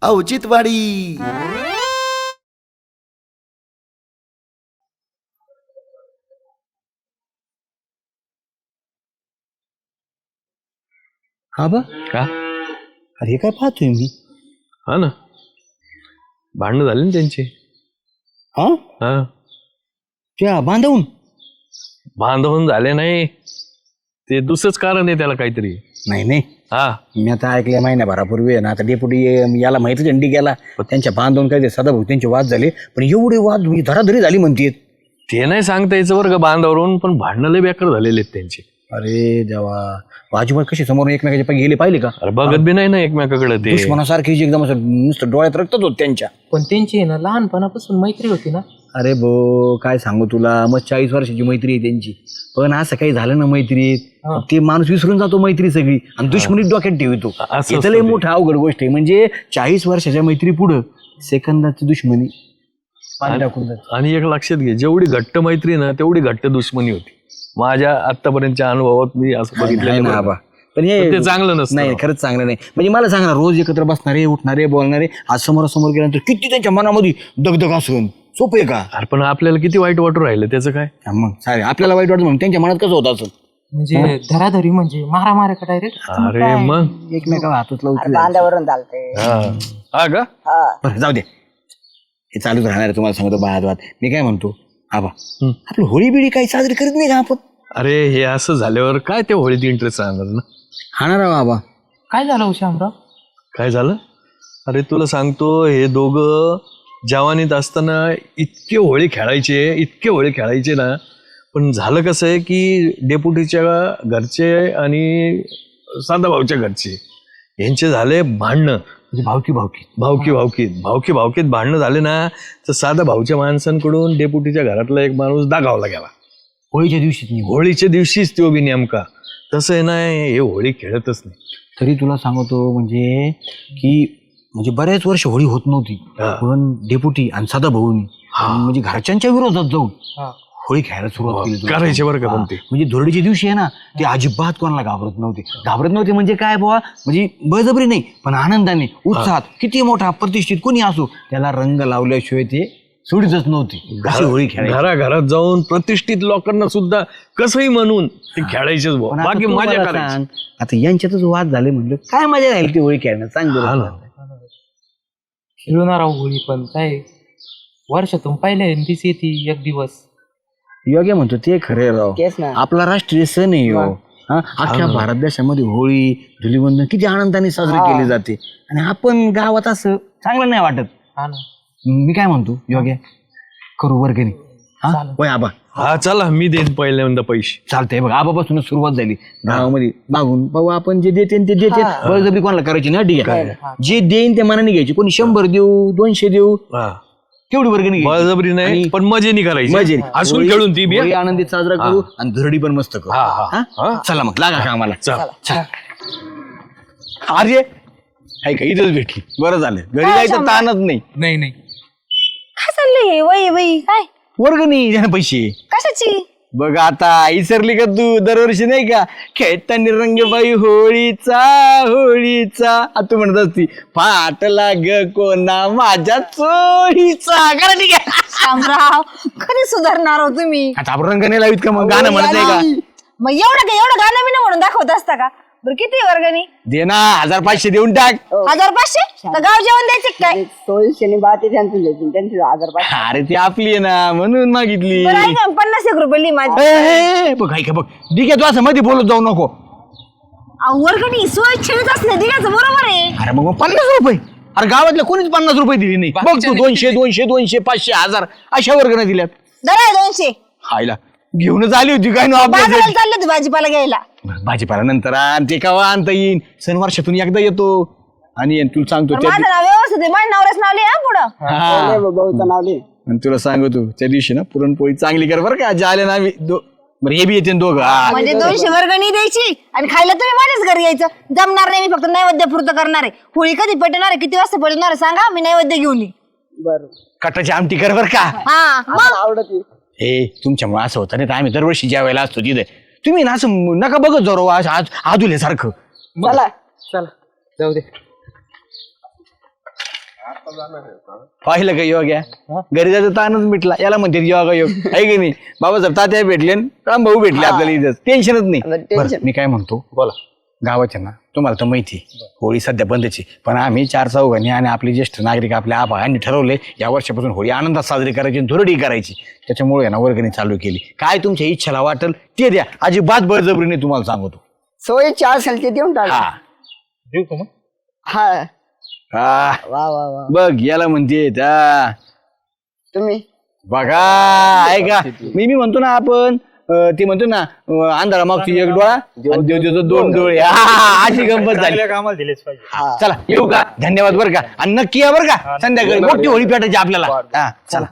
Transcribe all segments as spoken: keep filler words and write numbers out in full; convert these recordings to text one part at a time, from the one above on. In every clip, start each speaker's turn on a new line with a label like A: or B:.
A: औचित्यवाडी.
B: हा बा
C: का?
B: अरे काय पाहतोय मी.
C: हा ना, भांडणं झाली ना त्यांची.
B: हा
C: हा,
B: त्या बांधवून
C: बांधवून झाले नाही, ते दुसरंच कारण आहे त्याला काहीतरी.
B: नाही नाही
C: हा,
B: मी आता ऐकलं महिन्याभरापूर्वी आहे ना, आता डेपुटी याला माहिती झंडी गेला त्यांच्या बांधवून काय ते सदाभाऊ त्यांचे वाद झाले, पण एवढे वाद म्हणजे धराधरी झाली म्हणते.
C: ते नाही सांगता यायचं बरं का बांधावरून, पण भांडणं लय बेकार झालेले आहेत त्यांचे.
B: अरे देवा, बाजूबाजू कशी समोर एकमेकाच्या पाय गेले पाहिले का.
C: अरे बघत बी नाही ना एकमेकाकडे ते.
B: दुश्मनासारखी जी एकदम असं नुसतं डोळ्यात रक्तच होत त्यांच्या.
D: पण त्यांची आहे ना लहानपणापासून मैत्री होती ना.
B: अरे भो काय सांगू तुला, मग चाळीस वर्षाची मैत्री आहे त्यांची, पण असं काही झालं ना मैत्रीत, ते माणूस विसरून जातो मैत्री सगळी आणि दुश्मनीत डोक्यात ठेवतो.
C: असं
B: लय मोठं अवघड गोष्ट आहे. म्हणजे चाळीस वर्षाच्या मैत्री पुढं सेकंदाची दुश्मनी पाणी टाकून जाते.
C: आणि एक लक्षात घे, जेवढी घट्ट मैत्री ना तेवढी घट्ट दुश्मनी होती. माझ्या आतापर्यंतच्या अनुभवात मी असं बघितलं
B: ना आबा. पण हे
C: ते चांगलं नसतं.
B: नाही, खरंच चांगलं नाही. म्हणजे मला सांग ना, रोज एकत्र बसणारे, उठणारे, बोलणारे, आज समोरासमोर गेल्यानंतर किती त्यांच्या मनामध्ये दगदग असून सोपं आहे का.
C: अरे पण आपल्याला किती वाईट वाटू राहिलं त्याचं काय.
B: मग सारे आपल्याला वाईट वाटतं म्हणून त्यांच्या मनात कसं होत असं.
D: म्हणजे धराधरी म्हणजे मारा मारा का डायरेक्ट.
C: अरे मग
B: एकमेकाला हातच लावून
E: बांधावरून चालते.
C: हा का.
B: बरं जाऊ दे, हे चालूच राहणार आहे. तुम्हाला सांगतो बाळात वाद. मी काय म्हणतो आबा, आपलं होळी बिळी काही साजरी करत नाही का आपण.
C: अरे हे असं झाल्यावर काय ते होळीत इंटरेस्ट राहणार ना.
B: हा ना राव आबा.
D: काय झालं शामराव.
C: काय झालं. अरे तुला सांगतो, हे दोघं जवानीत असताना इतके होळी खेळायचे इतके होळी खेळायचे ना, पण झालं कसं आहे की डेप्युटीच्या घरचे आणि साधाभाऊच्या घरचे यांचे झाले भांडणं.
B: म्हणजे भावकी भावकी
C: भावकी भावकीत भावकी भावकीत भांडणं झाले ना, तर साधा भाऊच्या माणसांकडून डेप्युटीच्या घरातला एक माणूस दागावला गेला
B: होळीच्या दिवशी.
C: होळीच्या दिवशीच तो बी नेमका. तसं आहे ना, हे होळी खेळतच नाही.
B: तरी तुला सांगतो म्हणजे की म्हणजे बऱ्याच वर्ष होळी होत नव्हती, पण डेप्युटी आणि साधा भाऊनी म्हणजे घरच्यांच्या विरोधात जाऊन होळी खेळायला सुरुवात केली.
C: करायचे बरं का. पण ते
B: म्हणजे धुळडीच्या दिवशी आहे ना, ते अजिबात कोणाला घाबरत नव्हते. घाबरत नव्हते म्हणजे काय बुवा, म्हणजे बळजबरी नाही, पण आनंदाने उत्साहात. किती मोठा प्रतिष्ठित कोणी असो, त्याला रंग लावल्याशिवाय ते सोडीतच नव्हती. अशी होळी खेळायची.
C: घराघरात जाऊन प्रतिष्ठित लोकांना सुद्धा कसंही म्हणून ते खेळायचेच. बाकी मजा करायची.
B: आता यांच्यातच वाद झाले म्हणजे काय मजा राहील ती होळी खेळण्यात. सांग बरं.
D: खेळणार होळी पण काय वर्षातून पहिल्यांदाच येते एक दिवस.
B: योग्य म्हणतो ते खरे राव.
E: तेच ना.
B: आपला राष्ट्रीय सण आहे हो. हा, अख्ख्या भारत देशामध्ये होळी धुलीवंदन किती आनंदाने साजरी केली जाते, आणि आपण गावात असं चांगलं नाही वाटत.
D: हा ना.
B: मी काय म्हणतो योग्य, करू वर्गणी. हा होय आबा.
C: हा चला, मी देईन पहिल्यांदा पैसे.
B: चालतंय बघ, आबापासूनच सुरुवात झाली गावामध्ये. मागून बाबा आपण जे देते ते देते, बळजबरी कोणाला करायची ना. ठीक आहे, जे देईन ते मनाने घ्यायची. कोणी शंभर देऊ दोनशे देऊ तेवढी वर्गणी घ्यायची.
C: बळजबरी नाही, पण मजेनी करायची.
B: मजे
C: हसून खेळून ती बी.
B: होळी आनंदीत साजरा करू आणि धुरडी पण मस्त करू. हा? चला मग लागा का आम्हाला.
C: चला.
B: अरे हाय का, इथंच भेटली. बरं झालं, घरी जायचं ताणच नाही.
D: नाही नाही
E: काय चाललंय वय वय काय
B: वर्गणी द्या ना पैसे.
E: कशाची.
B: बघ आता इसरली का तू, दरवर्षी नाही का खेळताना रंगबाई होळीचा होळीचा तू म्हणत असती, फाटला ग कोणा माझ्या चोळीचा. करा ठीक आहे.
E: शामराव कधी सुधारणार हो तुम्ही.
B: आता आपण रंग नाही लावित का मग, गाणं म्हणत नाही का.
E: मग एवढं काय एवढं गाणं मी म्हणून दाखवत असता का. बरं किती वर्गणी.
B: दे ना, हजार पाचशे देऊन टाक.
E: हजार पाचशे तर गाव जेवण द्यायचे काय.
F: सोळीशे बाते त्यांचं त्यांची हजार पाचशे.
B: अरे ती आपली आहे ना म्हणून मागितली.
E: बरं ऐका, पन्नास एक रुपये लिही माझी.
B: ए, ए, ए, बघ ऐका बघ, ठीक आहे, तू असं मध्ये बोलत जाऊ नको.
E: अहो, वर्गणी सोय छेडत असले दिल्याचं बरोबर आहे.
B: अरे मग मग पन्नास रुपये. अरे गावातल्या कोणीच पन्नास रुपये दिली नाही. बघ तू दोनशे दोनशे दोनशे पाचशे हजार अशा वर्गाने दिल्यात.
E: दरा दोनशे
B: हायला घेऊनच आली होती काय ना
E: बाजाराला
B: आपल्या.
E: चालले होते भाजीपाला घ्यायला.
B: भाजीपाला नंतर आण, ते केव्हा आणता येईन. सण वर्षातून एकदा येतो. आणि तुला सांगतो
E: पण
B: त्या
E: माझं नाव व्यवस्थित आहे, माझ्या नवऱ्याच नाव लिहा पुढं.
B: हा.
F: भाऊचं नाव लिह.
B: आणि तुला सांगतो त्या दिवशी ना पुरणपोळी चांगली कर बरं का. जे आले ना आम्ही दो- बरं हे बी येते ना दोघं. हा.
E: म्हणजे दोनशे वर्गणी द्यायची आणि खायला तुम्ही माझ्याच घरी यायचं. जमणार नाही, मी फक्त नैवेद्य पुरतं करणार आहे. होळी कधी पेटणार आहे, किती वाजता पेटणार आहे सांगा, मी नैवेद्य घेऊन येईन.
F: बरं
B: कटाची आमटी कर बरं का.
E: हा मग
F: आवडत
B: हे तुमच्यामुळे असं होतं नाही तर आम्ही दरवर्षी जेवायला असतो तिथे. तुम्ही ना असं नका बघत जाऊ आज आदुले सारखं.
F: चला
D: चला जाऊ दे.
B: पाहिलं का योग्या घरी जायचं ताणच मिटला याला म्हणते योगा योग आहे की नाही बाबासाहेब तात्या भेटले राम भाऊ भेटले आपल्याला इथं टेन्शनच नाही बरं, मी काय म्हणतो बोला गावाच्या ना तुम्हाला तर माहिती आहे, होळी सध्या बंदची पण आम्ही चार चौघांनी आणि आपले ज्येष्ठ नागरिक आपल्या आबांनी ठरवले या वर्षापासून होळी आनंदात साजरी करायची आणि धुरडी करायची त्याच्यामुळे ना वर्गणी चालू केली काय तुमच्या इच्छाला वाटेल ते द्या अजिबात बळजबरीने तुम्हाला सांगतो
F: सोयीची असेल ते देऊन टाका
B: हा
D: देऊ का मग?
F: हा
B: हा
F: वा वा वा
B: बघ याला म्हणते त्या
F: तुम्ही
B: बघा ऐका मी मी म्हणतो ना आपण अं, ते म्हणतो ना अं, अंधारा मागची एक डोळा आणि देव देतो दोन डोळे हा, अशी गंमत झाली
D: कामाला दिलेच पाहिजे.
B: चला येऊ का धन्यवाद बरं का आणि नक्की या बरं का संध्याकाळी मोठी होळी पेटायची आपल्याला हा चला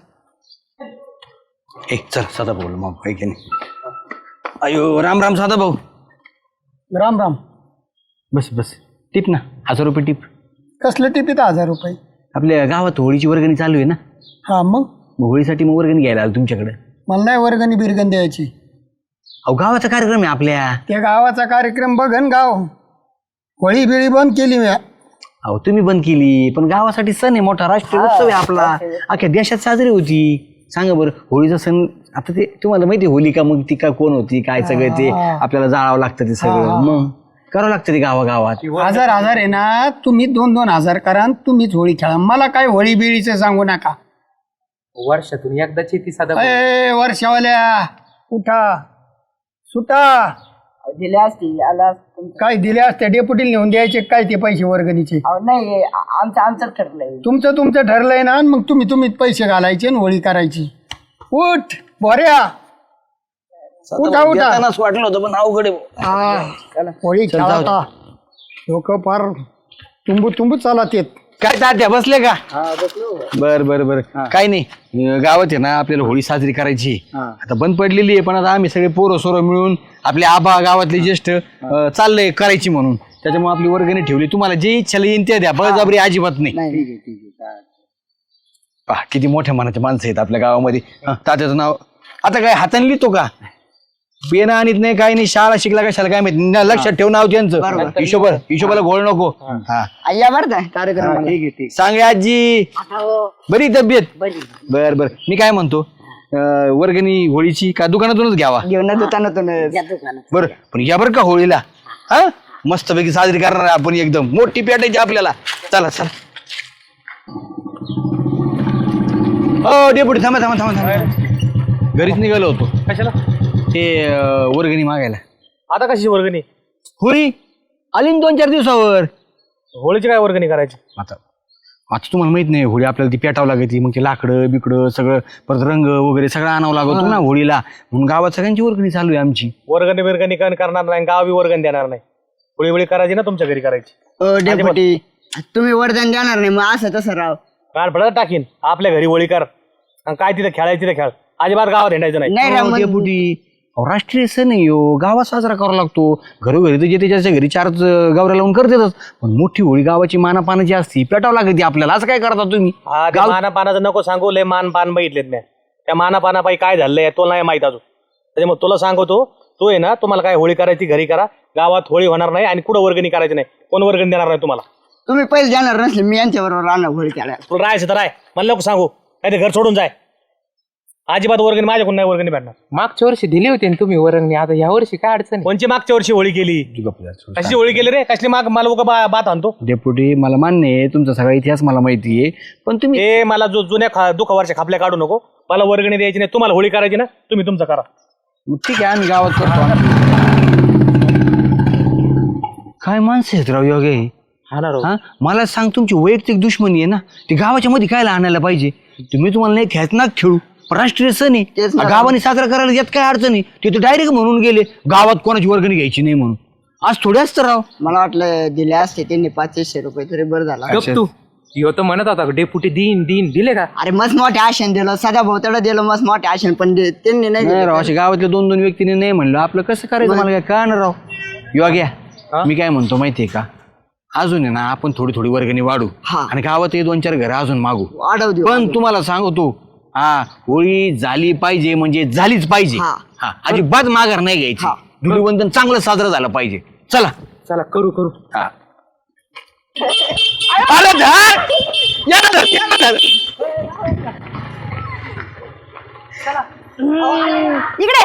B: ए चल सदा भाऊ मग आहे की नाही अयो राम राम साधा भाऊ
A: राम राम
B: बस बस टिप ना हजार रुपये टिप
A: कसलं टिपीत हजार रुपये
B: आपल्या गावात होळीची वर्गणी चालू आहे ना
A: हा मग
B: मग होळीसाठी मग वर्गणी घ्यायला आलो तुमच्याकडे
A: मला नाही वर्गणी बिरगण द्यायची
B: अहो गावाचा कार्यक्रम आहे आपल्या
A: त्या गावाचा कार्यक्रम बघन गाव होळी बिळी बंद केली म्या.
B: अहो तुम्ही बंद केली पण गावासाठी सण आहे मोठा राष्ट्रीय उत्सव आहे आपला अख्ख्या देशात साजरी होती सांगा बरं होळीचा सण आता ते तुम्हाला माहिती आहे होलिका मग ती का कोण होती काय सगळं ते आपल्याला जाळावं लागतं ते सगळं मग करावं लागतं ते गावागावात
A: हजार हजार आहे ना तुम्ही दोन दोन हजार करा आणि तुम्हीच होळी खेळा मला काय होळी बिळीचं सांगू नका
D: वर्षातून एकदाची ती साधा
A: अय वर्षावाल्या उठा सुटा
F: दिले असते आला असतं.
A: काय दिले असते डेपुटीला नेऊन द्यायचे काय ते पैसे वर्गणीचे
F: अहो, नाही आ- आमचं आमचं ठरलंय
A: तुमचं तुमचं ठरलंय ना आणि मग तुम्ही तुम्हीच पैसे घालायचे आणि होळी करायची उठ बोऱ्या उठा उठा
B: देतानाच वाटलं होतं पण अवघड आहे.
A: हा होळी खेळा लोक फार तुंबू तुंबू चालत येत
B: काय तात्या बसले का बर बर बर काय नाही अं, गावात आहे ना आपल्याला होळी साजरी करायची आता बंद पडलेली आहे पण आता आम्ही सगळे पोरं सोरं मिळून आपले आबा गावातले ज्येष्ठ अं, चाललंय करायची म्हणून त्याच्यामुळे आपली वर्गणी ठेवली तुम्हाला जे इच्छा येईन ते द्या बळजबरी अजिबात नाही
F: नाही ठीक आहे ठीक आहे
B: पहा किती मोठ्या मनाचे माणसं आहेत आपल्या गावामध्ये हं, तात्याचं नाव आता काय हाताने लिहितो का पेना आणत नाही काही नाही शाळा शिकला कशाला काय माहिती न, लक्षात ठेव नाव त्यांचं हिशोबर हिशोबाला घोळ नको हा
F: या बरं का कार्यक्रम ठीक आहे ठीक
B: सांग रे आजी बरी तब्येत बर बर मी काय म्हणतो अं, वर्गणी होळीची का दुकानातूनच घ्यावा
F: घेऊन दुकानातून
B: बर पण या बरं का होळीला हा मस्तपैकी साजरी करणार आहे आपण एकदम मोठी पेटायची आपल्याला चला चला हो डेपुटी थांबा थांबा थांबा थांबा घरीच निघालो होतो
D: कशाला
B: ते अं, वर्गणी मागायला
D: आता कशी वर्गणी
B: होळी आली ना दोन चार दिवसावर
D: होळीची काय वर्गणी करायची
B: आता आता तुम्हाला माहित नाही होळी आपल्याला ती पेटावं लागते मग ते लाकडं बिकडं सगळं परत रंग वगैरे सगळं आणावं लागतो ना होळीला म्हणून गावात सगळ्यांची वर्गणी चालू आहे आमची
D: वर्गणी बिरगणी काय करणार नाही गावी वर्गणी देणार नाही होळी होळी करायची ना तुमच्या घरी करायची
F: डेपुटी तुम्ही वरदान देणार नाही मग असं तसं राव
D: कान फळत टाकीन आपल्या घरी होळी कर आणि काय तिथे खेळायची तिथे खेळ अजिबात गावात हिंडायचं नाही
F: नाही राव
B: हो,
F: मग-
B: डेपुटी अहो, राष्ट्रीय सण आहे हो गावात साजरा करावा लागतो घरोघरी तर जे त्याच्या घरी चार गावऱ्या लावून करतातच पण मोठी होळी गावाची मानापानाची असती पेटावं लागते आपल्याला असं काय करता तुम्ही
D: हा ते मानापानाचं नको सांगू लय मान पान बघितलेत मी त्या मानापानापाई काय झालंय तुला नाही माहित अजून त्याच्यामुळे तुला सांगतो तू आहे ना तुम्हाला काय होळी करायची घरी करा गावात होळी होणार नाही आणि कुठं वर्गणी करायची नाही कोण वर्गणी देणार नाही तुम्हाला
F: तुम्ही पैसे देणार नसले मी यांच्या बरोबर राहणार होळी खेळायला
D: तुला राहायचं तर राय मला नको सांगू काय ते घर सोडून जाय अजिबात वर्गणी माझ्याकडून नाही वर्गणी भेटणार
G: मागच्या वर्षी दिली होती ना तुम्ही वर्गणी आता या वर्षी काय अडचण आहे?
D: कोणची मागच्या वर्षी होळी केली कशी होळी केली रे कसली माग मला उगा बा- बात आणतो
B: डेपुटी मला मान्य आहे तुमचा सगळा इतिहास मला माहिती आहे पण तुम्ही
D: हे मला जो जुन्या खा दुखा वर्ष खापल्या काढू नको मला वर्गणी द्यायची नाही तुम्हाला होळी करायची ना तुम्ही तुमचं करा
B: मग ठीक आहे आम्ही गावात करतो काय माणसं आहेत राव योगे
D: हा ना राव.
B: हा मला सांग तुमची वैयक्तिक दुश्मनी आहे ना ती गावाच्या मध्ये काय आणायला पाहिजे तुम्ही तुम्हाला नाही खेळत ना खेळू पण राष्ट्रीय सण
F: तेच
B: आहे
F: ना.
B: गावाने साजरा करायला यात काय अडचण आहे ते तर डायरेक्ट म्हणून गेले गावात कोणाची वर्गणी घ्यायची नाही म्हणून आज थोडे असतं राव
F: मला वाटलं दिले असते त्यांनी पाचशे रुपये तरी बरं झाला
G: गप तू ह्यो तर म्हणत होता डेपुटी दिन दिन दिले का
F: अरे मस्त मोठे आशन दिलं सदा भोवतडं दिलं मस्त मोठे आशन पण दे- त्यांनी नाही
B: नाही
F: दिलं.
B: राव असे गावातल्या दोन दोन व्यक्तीने नाही म्हणलं आपलं कसं करायचं मला काय कळणार राव योग्या मी काय म्हणतो माहितीये का अजून आहे ना आपण थोडी थोडी वर्गणी वाढू
F: हा.
B: आणि गावात हे दोन चार घर अजून मागू
F: वाढव देऊ
B: पण तुम्हाला सांगतो हा होळी झाली पाहिजे म्हणजे झालीच पाहिजे
F: हा.
B: हा अजिबात माघार नाही घ्यायची
F: हा.
B: धुलीवंदन चांगलं साजरं झालं पाहिजे चला
G: चला करू करू
B: हा अरे धर
C: याला धर, याला धर.
E: इकडे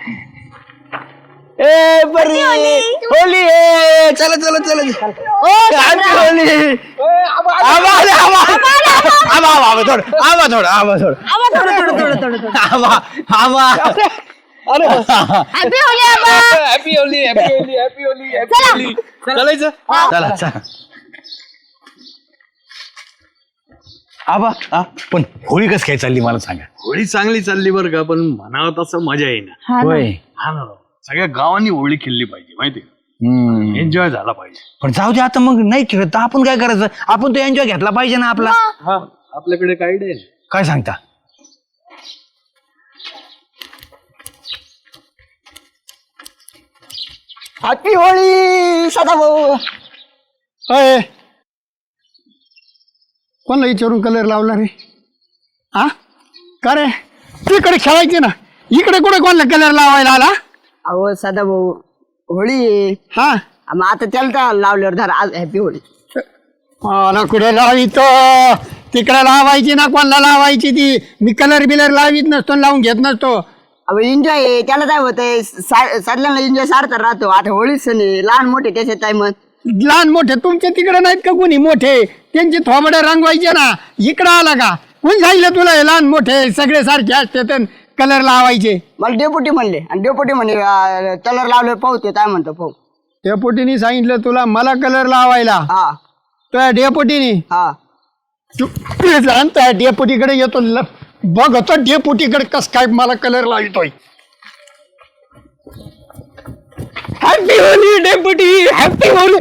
F: ए बरी होली ए चला चला चला
E: ओ
F: हॅपी होली आबा आबा आबा आबा आबा थोड आबा थोड आबा थोड
E: आबा थोडं थोडं थोडं थोडं थोडं
F: Aba Aba
E: happy Holi Aba
C: happy Holi happy Holi happy Holi happy
E: चला.
C: होली चालायचं
F: चला चला
B: आबा आ, पण होळी कसं काय चालली मला सांगा.
C: होळी चांगली चालली बरं का पण म्हणावं तसं मजा येईना
B: होय.
C: हा ना सगळ्या गावांनी होळी खेळली पाहिजे माहिती
B: हम्म.
C: एन्जॉय झाला पाहिजे.
B: पण जाऊ दे आता मग नाही खेळत तर आपण काय करायचं आपण तो एन्जॉय घेतला पाहिजे ना आपला.
C: हा आपल्याकडे काय डे
B: काय सांगता.
F: हॅपी होळी सदाभाऊ
A: अय कोणाला विचारून कलर लावला रे हा का रे तिकडे खेळायचे ना इकडे कुठे कोणाला कलर लावायला आला.
F: अहो सदाभाऊ होळी आहे.
A: हा
F: मग आता त्याला तर लावल्यावर धर आज हॅपी होळी
A: मला कुठे लावितो तिकडे लावायची ना कोणाला लावायची ती मी कलर बिलर लावीत नसतो लावून घेत नसतो.
F: अहो एन्जॉय त्याला काय होतंय सगळ्यांना एन्जॉय सारखा राहतो आता होळीच सण आहे लहान मोठे त्याच्यात काय मग
A: लहान मोठे तुमच्या तिकडे नाहीत का कोणी मोठे त्यांचे थोबडे रंगवायचे ना इकडं आला का कोण सांगितलं तुला हे लहान मोठे सगळे सारखे असते कलर लावायचे.
F: मला डेपुटी म्हणले आणि डेपुटी म्हणे कलर लावले पाहतो काय म्हणतो पाहू
A: डेपुटीने सांगितलं तुला मला कलर लावायला
F: हा
A: त्या डेपुटीने
F: हा
A: त्या डेपुटीकडे येतो ल- बघतो डेपुटीकडे कस काय मला कलर लावतोय. Happy Holi deputy happy Holi.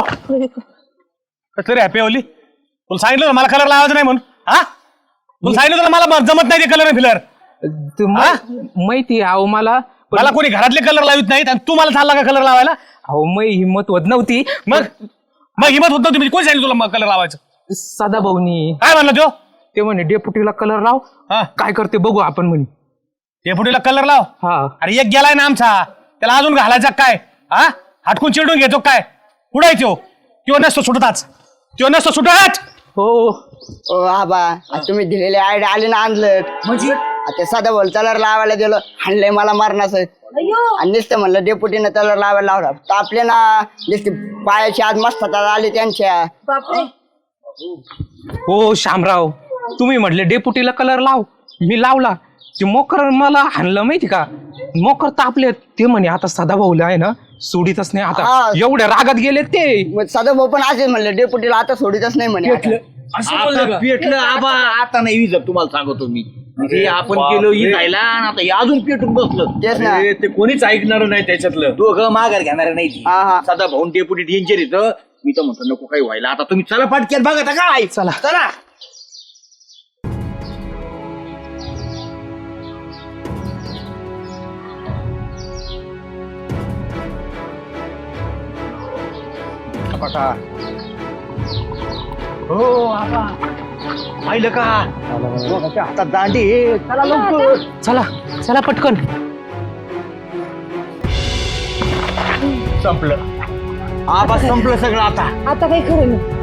D: कसं रे हॅपी होली तुला सांगितलं ना मला कलर लावायचा नाही म्हणून हा तुला सांगितलं तुला मला जमत नाही ते कलर फिलर
G: तू मा- माहिती आहे, अहो मला पण-
D: मला कोणी घरातले कलर लावित नाहीत आणि तू मला चालला का कलर लावायला.
G: अहो मै हिंमत होत नव्हती
D: मग मग हिमत होत नव्हती म्हणजे कोणी सांगितलं तुला कलर लावायचं.
G: सदा भाऊनी
D: काय म्हणलं तो
G: ते म्हणे डेपुटीला कलर लाव
D: हा
G: काय करते बघू आपण म्हणे.
D: डेपुटीला कलर लाव.
G: हा
D: अरे एक गेलाय ना आमचा त्याला अजून घालायचा काय हा हटकून चिडून घेतो काय कुठं आहे तो किंवा नसतो सुटताच किंवा नसतो सुटत.
G: हो
F: ओ आबा आज तुम्ही दिलेले आयडिया आले ना आणलं म्हणजे आता सदा बोल कलर लावायला गेलो हाणलंय मला मारणाचं आणि नुसतं म्हणलं डेपुटीनं कलर लावायला लावला तर आपले ना नुसते पायाची आज मस्त आले त्यांच्या
E: बापरे
G: हो शामराव तुम्ही म्हटले डेपुटीला कलर लाव मी लावला ते मोकर मला हाणलं माहिती का मोकर तापले ते म्हणे आता सदा भाऊला आहे ना सोडीतच नाही आता
F: हा.
G: एवढ्या रागात गेले ते
F: मग सदा भाऊ पण असेच म्हणले डेपुटीला आता सोडीतच नाही म्हणे आता.
B: आता पेटलं आबा आता नाही विजत तुम्हाला सांगतो मी म्हणजे आपण गेलो ही जायला आणि आता हे अजून पेटून बसलं.
F: तेच ना
C: अरे, ते कोणीच ऐकणार नाही त्याच्यातलं.
B: दोघं माघार घेणार नाही
F: हा हा
B: सदा भाऊन डेपुटी डेंजर येतं मी तर म्हणतो नको काही व्हायला आता तुम्ही चला पाटक्यात बघा आता काय चला चला. हो आबा पाहिलं का दोघांच्या हातात दांडी आहे. चला लवकर
G: चला चला पटकन
B: संपलं आबा संपलं सगळं आता.
E: आता काही खरं नाही.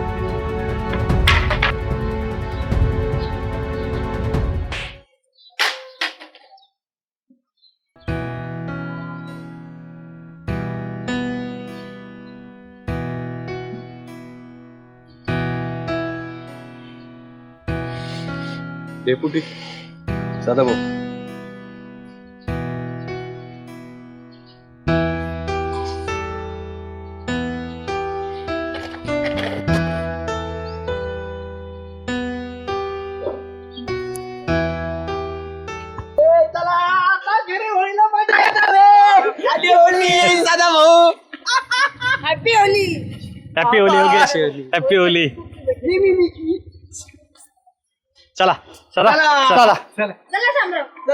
C: डेपुटी सदा भाऊ
E: happy Holi
D: happy Holi Yogesh happy Holi. चला चला चला
E: चला शामराव